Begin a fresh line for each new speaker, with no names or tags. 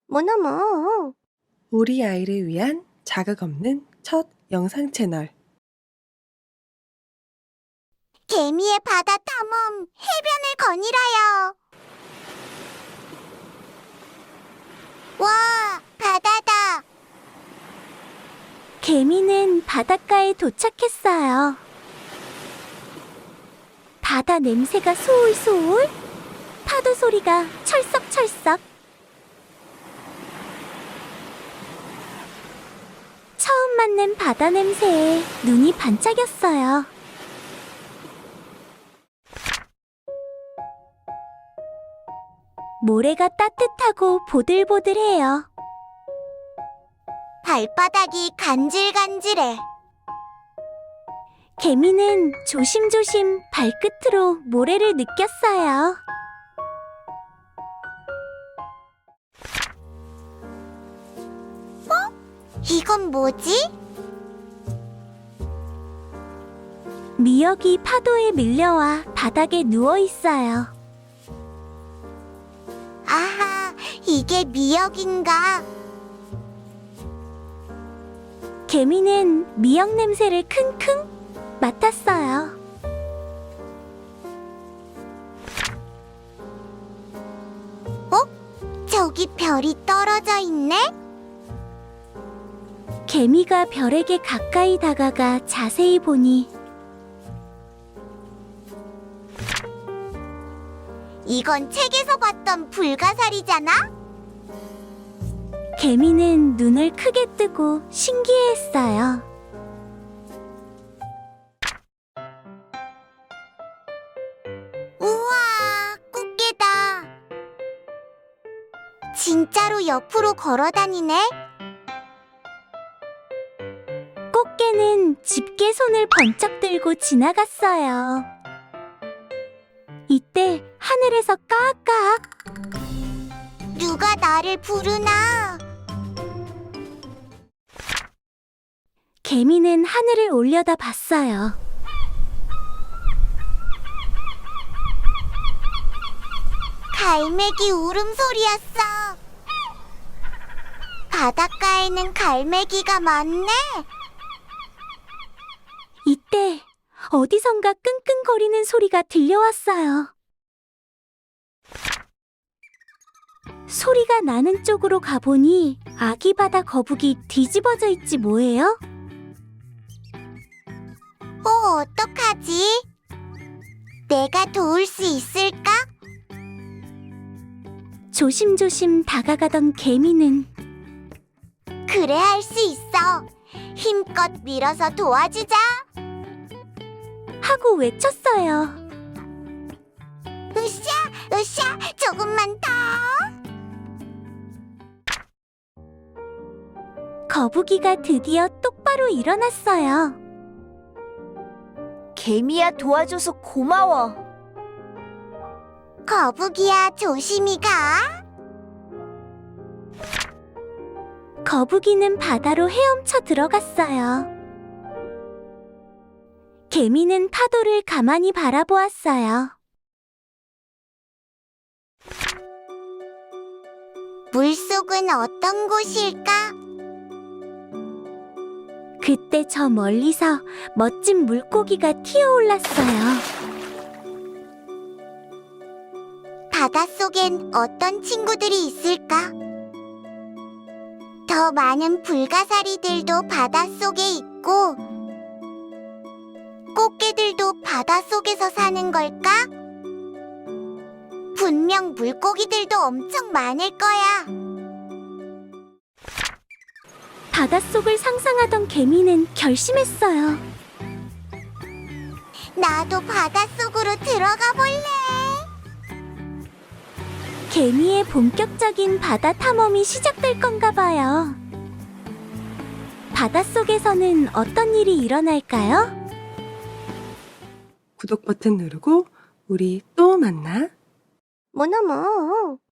뭐나뭐.
우리 아이를 위한 자극 없는 첫 영상 채널.
개미의 바다 탐험 해변을 거닐어요. 와, 바다다.
개미는 바닷가에 도착했어요. 바다 냄새가 소울소울, 파도 소리가 철썩철썩. 처음 맡는 바다 냄새에 눈이 반짝였어요. 모래가 따뜻하고 보들보들해요.
발바닥이 간질간질해.
개미는 조심조심 발끝으로 모래를 느꼈어요.
이건 뭐지?
미역이 파도에 밀려와 바닥에 누워 있어요.
아하, 이게 미역인가?
개미는 미역 냄새를 킁킁 맡았어요.
저기 별이 떨어져 있네?
개미가 별에게 가까이 다가가 자세히 보니
이건 책에서 봤던 불가사리잖아?
개미는 눈을 크게 뜨고 신기해했어요.
우와, 꽃게다. 진짜로 옆으로 걸어다니네?
꽃게는 집게 손을 번쩍 들고 지나갔어요. 이때 하늘에서 까악까악
누가 나를 부르나?
개미는 하늘을 올려다 봤어요.
갈매기 울음소리였어. 바닷가에는 갈매기가 많네.
이때 어디선가 끙끙거리는 소리가 들려왔어요. 소리가 나는 쪽으로 가보니 아기 바다 거북이 뒤집어져 있지 뭐예요?
어떡하지? 내가 도울 수 있을까?
조심조심 다가가던 개미는
그래, 할 수 있어. 힘껏 밀어서 도와주자.
하고 외쳤어요.
으쌰, 으쌰, 조금만 더.
거북이가 드디어 똑바로 일어났어요.
개미야, 도와줘서 고마워.
거북이야, 조심히 가.
거북이는 바다로 헤엄쳐 들어갔어요. 개미는 파도를 가만히 바라보았어요.
물속은 어떤 곳일까?
그때 저 멀리서 멋진 물고기가 튀어올랐어요.
바닷속엔 어떤 친구들이 있을까? 더 많은 불가사리들도 바닷속에 있고 꽃게들도 바닷속에서 사는 걸까? 분명 물고기들도 엄청 많을 거야.
바닷속을 상상하던 개미는 결심했어요.
나도 바닷속으로 들어가 볼래.
개미의 본격적인 바다 탐험이 시작될 건가 봐요. 바닷속에서는 어떤 일이 일어날까요?
구독 버튼 누르고 우리 또 만나.
뭐나뭐.